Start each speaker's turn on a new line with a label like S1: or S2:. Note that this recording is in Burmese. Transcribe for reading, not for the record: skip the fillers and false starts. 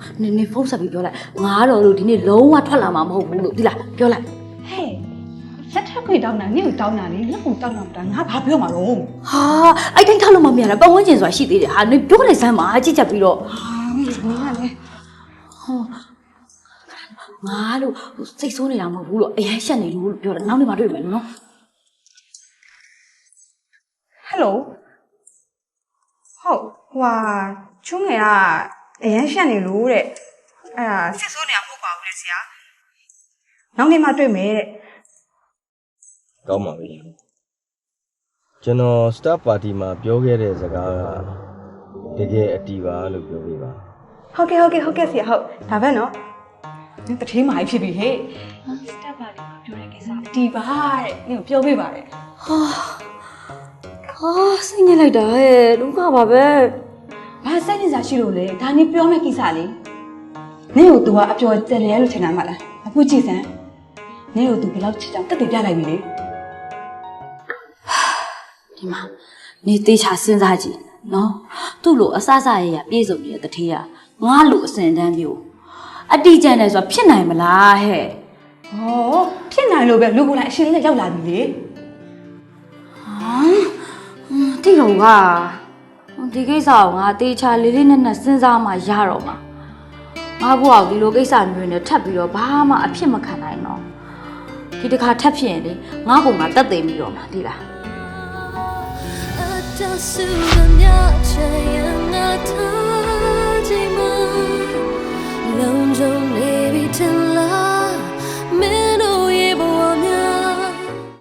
S1: နေဖုန်းဆက်ပြီးပြောလိုက်ငါတော့လို့ဒီနေ့လုံးဝထွက်လာမှာမဟုတ်ဘူးလို့ဒီလားပြောလိုက်
S2: ဟဲ့လက်ထပ်ခွေတောင်းတာနင့်ကိုတောင်းတာလေလက်ကိုတောင်းတာငါဘာပြောမှာတော့
S1: ဟာအဲ့တိုင်းထားလို့မမြင်တာပတ်ဝန်းကျင်ဆိုတာရှိသေးတယ်ဟာနေပြောလိုက်စမ်းပါကြည့်ချက်ပြီးတော့
S2: ဟာနင်ကလေ
S1: ငါလို့စိတ်ဆိုးနေတာမဟုတ်ဘူးလို့အရင်ရှက်နေလို့ပြောတာနောက်နေ့မှတွေ့မယ်နော်
S2: ဟယ်လိုဟုတ်ဟွာချုံးငယ်ကအရန်ရှက်နေလို့တဲ့အဲ့ဒါစစ်ဆိုးနေတာမဟုတ်ပါဘူးလေဆရာနောက်နေ့မှတွေ့မယ်တဲ့
S3: ကောင်းပါပြီကျွန်တော် staff party မှာပြောခဲ့တဲ့စကားကတကယ်အတီးပါလို့ပြောပြပါ
S2: ဟုတ်ကဲ့ဆရာဟုတ်ဒါပဲနော်နင်တထေးမာကြီးဖြစ်ပြီဟဲ့စတက်ပါလေးပြောတဲ့ကိစ္စဒီပါတဲ့နင်ကိုပြောပြပါတဲ့
S1: ဟာစိတ်ညစ်လိုက်တာဟဲ့ဒုက္ခပါပဲ
S2: ဘာစိတ်နေစားရှိလို့လဲဒါနင်ပြောမယ့်ကိစ္စလေနင်ကို तू ကအပျော်တယ်လဲလို့ထင်တာမလားအခုကြည့်စမ်းနင်ကို तू ဘယ်လောက်ချစ်ကြောင်တက်တည်ပြလိုက်ပြီလေ
S1: ဒီမှာနေသေးချာစဉ်းစားကြည့်နော်သူ့လိုအဆအဆရရပြေဆုံးနေတဲ့တထေးကငါလိုအစင်တန်းမျိုးအတီးကျန်တယ်ဆိုတာဖြစ်နိုင်မလားဟဲ့
S2: ဟောဖြစ်နိုင်လို့ပဲလူကိုယ်လိုက်အရှင်လေးရောက်လာပြီလေ
S1: တိတော့ကဒီကိစ္စကိုငါတေချာလေးလေးနက်နက်စဉ်းစားမှရတော့မှာငါဘွားကိုဒီလိုကိစ္စမျိုးနဲ့ထပ်ပြီးတော့ဘာမှအဖြစ်မခံနိုင်တော့ဒီတစ်ခါထပ်ဖြစ်ရင်လေငါ့ကိုငါတက်သိမ်းပြီးတော့မှာဒီလား
S4: လုံးလုံးနေပြီ